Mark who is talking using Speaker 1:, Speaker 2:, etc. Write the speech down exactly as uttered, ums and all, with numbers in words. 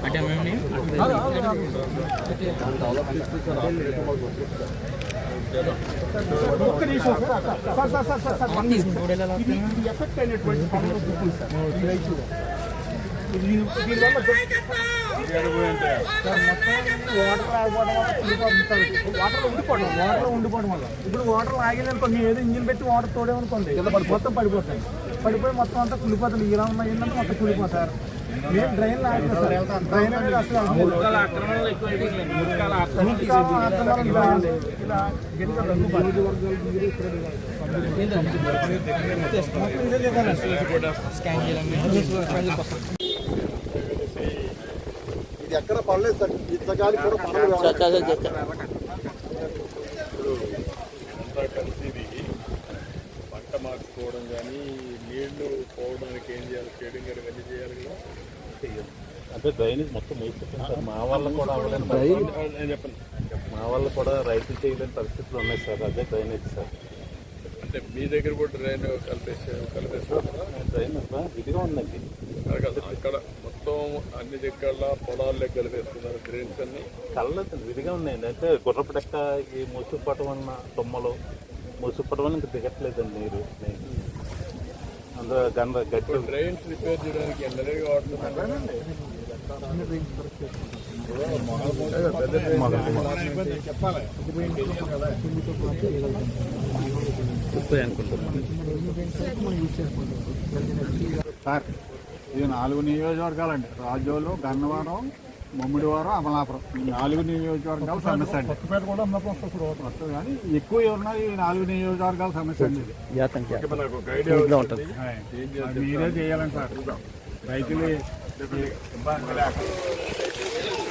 Speaker 1: అంటే మేము
Speaker 2: ఒక్క నిమిషం sir sir sir sir sir ఇది ఇది ఎఫెక్ట్ అయినటువంటి పనులు చూస్తుంది సార్ దీనివల్ల వాటర్లో ఉండిపోవడం వాటర్లో ఉండిపోవడం వల్ల ఇప్పుడు వాటర్ ఆగిందనుకోండి ఏదో ఇంజిన్ పెట్టి వాటర్ తోడేమనుకోండి మొత్తం పడిపోతాయి పడిపోయి మొత్తం అంతా కుళ్ళిపోతుంది ఇలా ఉన్న ఏంటంటే మొత్తం కుళ్ళిపోతారు మేము డ్రైన్ ఆగిన సార్ డ్రైన్ అనేది అసలు ఇలా
Speaker 3: ఇది ఎక్కడ పడలేదు సార్ ఇంత గాలి కూడా
Speaker 4: పంట మార్చుకోవడం కానీ నీళ్లు పోవడానికి ఏం చేయాలి షేడింగ్ కానీ ఇవన్నీ చేయాలి కదా
Speaker 5: అంటే డ్రైనేజ్ మొత్తం వేసుకుంటాం సార్. మా వాళ్ళు కూడా అవ్వలేని
Speaker 4: నేను చెప్పండి
Speaker 5: మా వాళ్ళు కూడా రైతులు చేయలేని పరిస్థితులు ఉన్నాయి సార్. అదే డ్రైనేజ్ సార్.
Speaker 4: అంటే మీ దగ్గర కూడా డ్రైన్ కలిపేసే కలిపేస్తారా?
Speaker 5: డ్రైన్ ఇదిగా ఉందండి
Speaker 4: అక్కడ మొత్తం అన్ని దగ్గర పొలాల్లో కలిపేస్తున్నారు డ్రైన్స్ అన్ని
Speaker 5: కళ్ళదు విధిగా ఉన్నాయండి. అంటే గుర్రపు డెక్క ఈ ముసుగుపటం అన్న తొమ్మలు ముసుగుపటం వల్ల ఇంకా దిగట్లేదండి నీరు. అందులో గంద గట్టి
Speaker 4: డ్రైన్స్ రిపేర్ చేయడానికి ఎండగా వాడుతున్నారండి.
Speaker 2: సార్ ఇది నాలుగు నియోజకవర్గాలండి. రాజోలు, గన్నవరం, ముమ్మిడివారం, అమలాపురం ఈ నాలుగు నియోజకవర్గాల సమస్య అండి. మొత్తం కానీ ఎక్కువ ఎవరున్నా ఈ నాలుగు నియోజకవర్గాల సమస్య అండి. మీరే చేయాలండి సార్. రైతులు ఇబ్బంది లేక